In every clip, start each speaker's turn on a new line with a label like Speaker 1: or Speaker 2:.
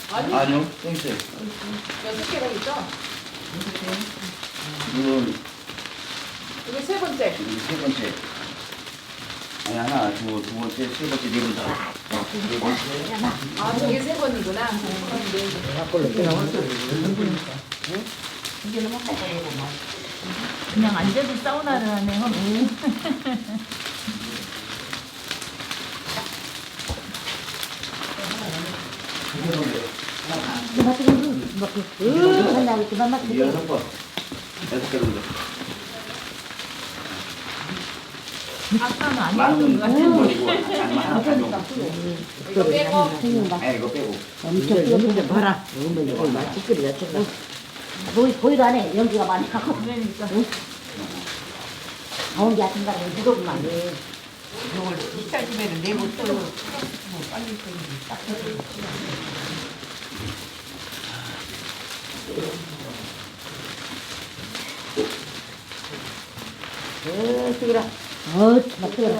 Speaker 1: 아니요, 또 있어요.
Speaker 2: 6개가 있죠?
Speaker 1: 이건
Speaker 2: 이게 세 번째.
Speaker 1: 세 번째. 아니, 하나, 두 번째, 세 번째, 네 번째. 네 번째.
Speaker 2: 아, 저게 세 번이구나.
Speaker 3: 그냥 앉아서 사우나를 하네요.
Speaker 1: 여섯 번. 여섯 개 정도.
Speaker 3: 아까는 안 해본 것 같은데.
Speaker 1: 버리고, 장만 하나 가지고.
Speaker 2: 이거 빼고.
Speaker 1: 아, 이거 빼고.
Speaker 4: 엄청 연기 봐라. 이거 맛있거리야 정말.
Speaker 5: 보이도 안 해. 연기가 많이 가고.
Speaker 3: 그러니까.
Speaker 5: 더운 게 같은 거는 무겁구만.
Speaker 4: 이걸 이탈집에는 내고 또 빨리 딱 뜨거라.
Speaker 5: 막 뜨거워.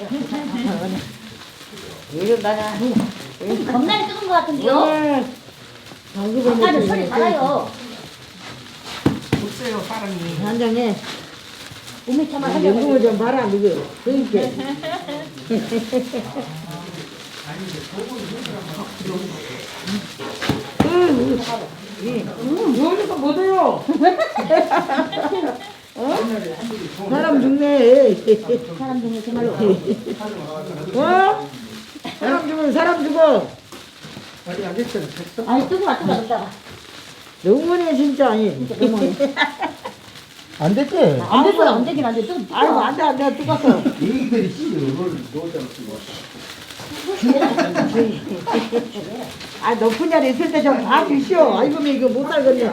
Speaker 4: 이거 나가.
Speaker 5: 겁나게 뜨거운 것 같은데요? 아까는 소리 달아요.
Speaker 4: 없어요 사람이.
Speaker 6: 한장에
Speaker 5: 몸이 참아
Speaker 6: 연금을 좀 봐라 누구 그러니까
Speaker 4: 여기서 못해요.
Speaker 6: 사람 죽네
Speaker 5: 사람 중에 정말로.
Speaker 6: 어? 사람 죽으면 사람 죽어
Speaker 5: 아니, 뜨거워.
Speaker 6: 너무네 진짜 아니 안 됐지?
Speaker 5: 안 됐어요. 안 되긴 안 돼. 좀
Speaker 6: 아이고 안돼 뜨거워
Speaker 1: 이들이 이걸 놓자고 쓰고.
Speaker 6: 아 높은 자리 있을 때 좀 봐주시오 아이고 이거 못 살겠네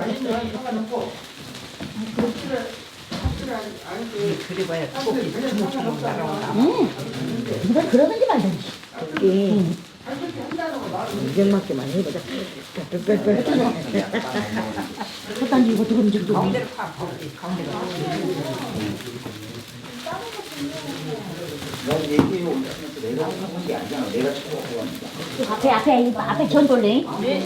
Speaker 4: 그래봐야 주먹주먹 날아온다.
Speaker 5: 누가 그러든지 말든지.
Speaker 6: 인정맞게만 해보자 빽빽빽
Speaker 5: 그딴지 이거 두근지 두근지.
Speaker 4: 가운데로 파. 가운데로.
Speaker 1: 난 얘기해 오면서 내가 하는 게 아니잖아. 내가 처음 해봤는데.
Speaker 5: 앞에 전 돌래.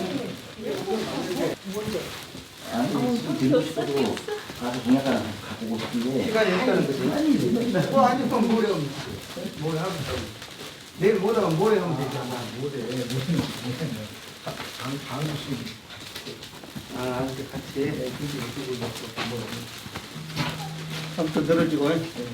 Speaker 1: 아니, 지금 듣고 싶어도 가서 동영상 갖고 오고 싶은데.
Speaker 7: 시간이 없다는 거지. 아니면 뭐래 하면 뭐래 하면 내일 못 하면 뭐래 하면 되잖아. 뭐래. 방수심. 아, 이제 같이. 한번 늘어지고.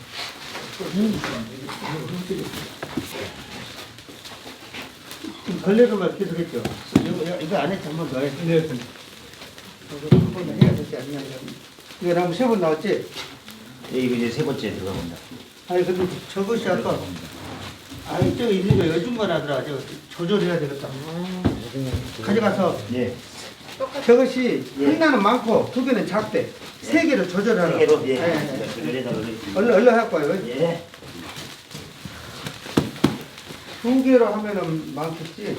Speaker 7: 걸레로만 계속했죠. 이거 안에 한번 더 해. 네. 한번 해야 되지 않냐. 이거 나무 세 번 나왔지?
Speaker 1: 예, 이거 이제 세 번째 들어갑니다.
Speaker 7: 아니 근데 저것이 아까 아니 저기 있는 거 여중간 하더라. 저 조절해야 되겠다. 가져가서
Speaker 1: 예.
Speaker 7: 저것이 하나는 많고 두 개는 작대. 세 개로 조절하라.
Speaker 1: 세 개로, 예.
Speaker 7: 예.
Speaker 1: 조절해서 올리겠습니다.
Speaker 7: 얼른 할 거예요.
Speaker 1: 예.
Speaker 7: 두 개로 하면은 많겠지.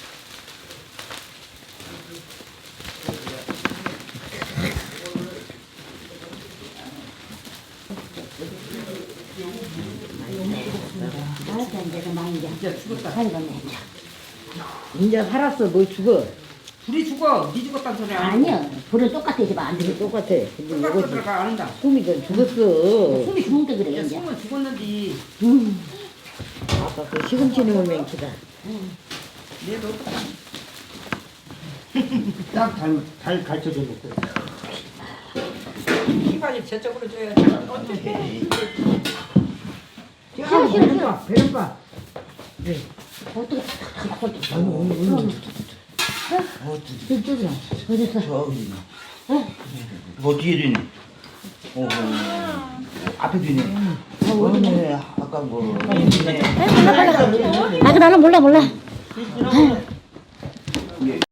Speaker 5: 알았어, 이제 많이 이제.
Speaker 4: 진짜 죽었다.
Speaker 5: 살겠네.
Speaker 6: 이제 살았어 뭐 죽어
Speaker 4: 둘이 죽어. 네 죽었다는 소리 아니야.
Speaker 5: 아니야. 불은 똑같아, 이제 안 돼.
Speaker 6: 똑같아 근데
Speaker 4: 똑같이
Speaker 6: 이거
Speaker 4: 들어가 안 한다.
Speaker 6: 숨이 좀 죽었어
Speaker 5: 숨이 죽는데 그래,
Speaker 4: 야,
Speaker 5: 이제.
Speaker 4: 숨은 죽었는지.
Speaker 6: 아까 그 시금치는 올맹치다
Speaker 4: 내도 똑같아.
Speaker 7: 잘 가르쳐줘 놓고.
Speaker 4: 희반이 저쪽으로 줘야지. 어떻게?
Speaker 5: 싫어, 싫어, 싫어.
Speaker 6: 배는봐
Speaker 5: 어떻게.
Speaker 1: 저기,
Speaker 5: 어딨어?
Speaker 1: 뭐 뒤에도 있네. 앞에도 있네. 네, 아까 뭐.
Speaker 5: 아, 나는 몰라.